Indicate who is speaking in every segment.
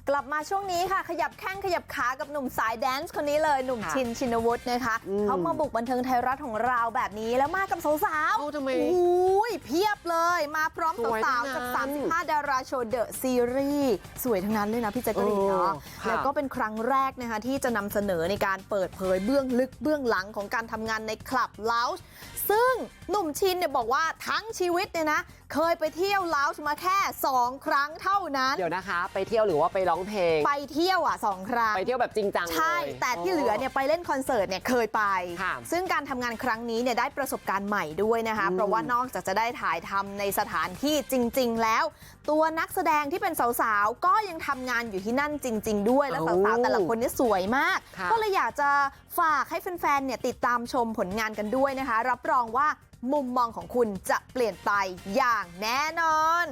Speaker 1: กลับมาช่วงนี้ค่ะขยับแข้งขยับขากับหนุ่มสายแดนซ์คนนี้เลยหนุ่มชินชินวุฒินะคะเขามาบุกบันเทิงไทยรัฐของเราแบบนี้แล้วมากับสาวๆ
Speaker 2: ทำไม
Speaker 1: อุ้ยเพียบเลยมาพร้อมสาวๆกับ35ดาราโชว์เดอะซีรีส์สวยทั้งนั้นเลยนะพี่แจ๊กกะรีนเนาะแล้วก็เป็นครั้งแรกนะคะที่จะนำเสนอในการเปิดเผยเบื้องลึกเบื้องหลังของการทำงานในคลับเลาจ์ซึ่งหนุ่มชินเนี่ยบอกว่าทั้งชีวิตเนี่ยนะเคยไปเที่ยวเลาจ์มาแค่2 ครั้งเท่านั้น
Speaker 2: เดี๋ยวนะคะไปเที่ยวหรือว่าไปร้องเพลง
Speaker 1: ไปเที่ยว2 ครั้ง
Speaker 2: ไปเที่ยวแบบจริงจัง
Speaker 1: ใช่แต่ที่เหลือเนี่ยไปเล่นคอนเสิร์ตเนี่ยเคยไปซึ่งการทำงานครั้งนี้เนี่ยได้ประสบการณ์ใหม่ด้วยนะคะเพราะว่านอกจากจะได้ถ่ายทำในสถานที่จริงๆแล้วตัวนักแสดงที่เป็นสาวๆก็ยังทำงานอยู่ที่นั่นจริงๆด้วยและสาวๆแต่ละคนเนี่ยสวยมากก็เลยอยากจะฝากให้แฟนๆเนี่ยติดตามชมผลงานกันด้วยนะคะรับรองว่ามุมมองของคุณจะเปลี่ยนไปอย่างแน่นอน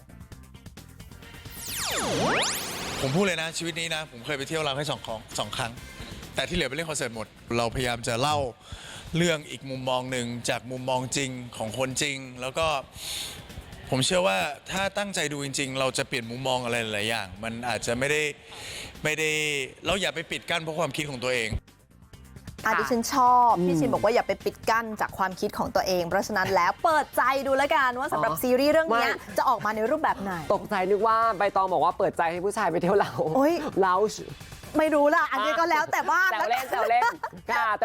Speaker 3: ผมพูดเลยนะชีวิตนี้นะผมเคยไปเที่ยวเราแค่สองครั้งแต่ที่เหลือไปเล่นคอนเสิร์ตหมดเราพยายามจะเล่าเรื่องอีกมุมมองหนึ่งจากมุมมองจริงของคนจริงแล้วก็ผมเชื่อว่าถ้าตั้งใจดูจริงๆเราจะเปลี่ยนมุมมองอะไรหลายอย่างมันอาจจะไม่ได้เราอย่าไปปิดกั้นเพราะความคิดของตัวเอง
Speaker 1: ดิฉันชอบพี่ชินบอกว่าอย่าไปปิดกั้นจากความคิดของตัวเองเพราะฉะนั้นแล้วเปิดใจดูแล้วกันว่าสำหรับซีรีส์เรื่องนี้จะออกมาในรูปแบบไหน
Speaker 2: ตกใจนึกว่าใบตองบอกว่าเปิดใจให้ผู้ชายไปเที่ยวเราไม่รู้
Speaker 1: ละอันนี้ก็แล้วแต่บ้าน
Speaker 2: แซวเล่นค่ะ